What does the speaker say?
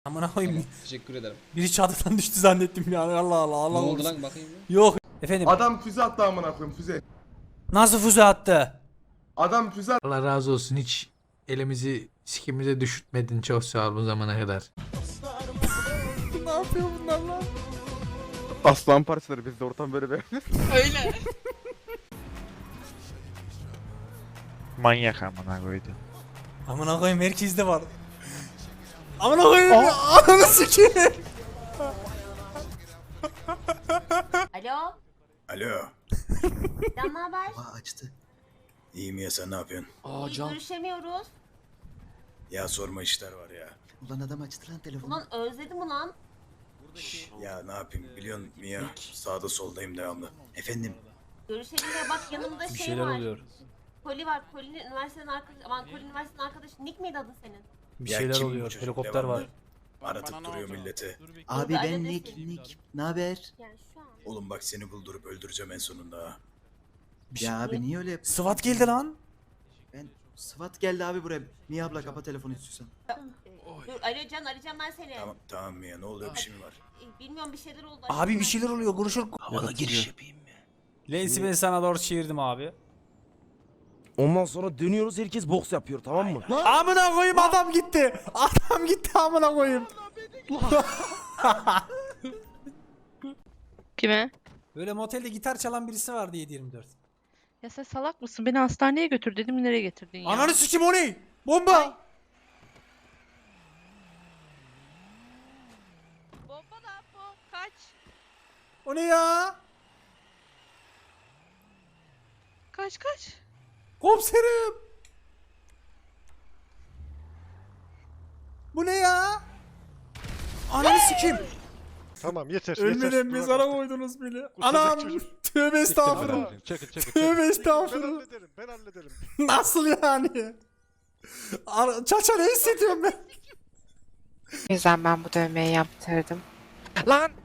Amına koyayım. Tamam, teşekkür ederim. Biri çatıdan düştü zannettim ya. Allah Allah Allah. Ne oldu korusun. lan bakayım ya. Yok. Efendim. Adam füze attı amına koyayım füze. Nasıl füze attı? Adam füze attı. Allah razı olsun, hiç elimizi sikimize düşürtmedin, çok sağ ol bu zamana kadar. Ne yapıyor bunlar lan? Aslan parçaları bizde ortam böyle be. Öyle. Manyak amına koydu. Amına koyayım herkeste var. Amına koyayım. Ananı sikeyim. Alo, Alo. Can ne haber? Aa açtı. İyiyim ya sen ne yapıyorsun? İyi, görüşemiyoruz. Ya sorma işler var ya. Ulan adam açtı lan telefonu. Ulan özledim ulan. Ya ne yapayım biliyorsun Mia sağda soldayım devamlı. Efendim? Görüşelim ya bak yanımda Bir şey şeyler var. oluyor. Koli var. Koli'nin üniversitenin arkadaşı. Aman Koli'nin üniversitenin arkadaşı. Nick miydi adın senin? Bir Ya şeyler kim bu oluyor. çocuk? Helikopter Devamlı var. Aratıp duruyor milleti. Abi Dur, ben alo Nick, desin. Nick. Ne haber? Yani şu an. Oğlum bak seni buldurup öldüreceğim en sonunda ha. Ya abi niye öyle yapıyorsun? SWAT geldi lan. Ben SWAT geldi abi buraya. Niye abla kapa telefonu istiyorsan. Dur alo Can arayacağım ben seni. Tamam Mia ne oluyor bir şey mi var? Bilmiyorum bir şeyler oldu. Abi bir şeyler oluyor. Konuşur. Havalı giriş yapayım mı? Lensi ben sana doğru çevirdim abi. Ondan sonra dönüyoruz, herkes boks yapıyor, tamam mı? Amına koyayım adam gitti. Adam gitti amına koyayım. Kime? Böyle motelde gitar çalan birisi vardı 7/24. Ya sen salak mısın? Beni hastaneye götür dedim, nereye getirdin ya? Ananı sikim o ne? Bomba. Bomba da bu. Kaç. O ne ya? Kaç kaç. Komiserim. Bu ne ya? Ananı sikeyim. Tamam yeter. Ölmeden mezara koydunuz beni. Anam. Tövbe estağfurullah. Çekil. Tövbe Ben estağfurullah. hallederim. Nasıl yani? Çaça ne hissediyorum ben? O yüzden ben bu dövmeyi yaptırdım. Lan!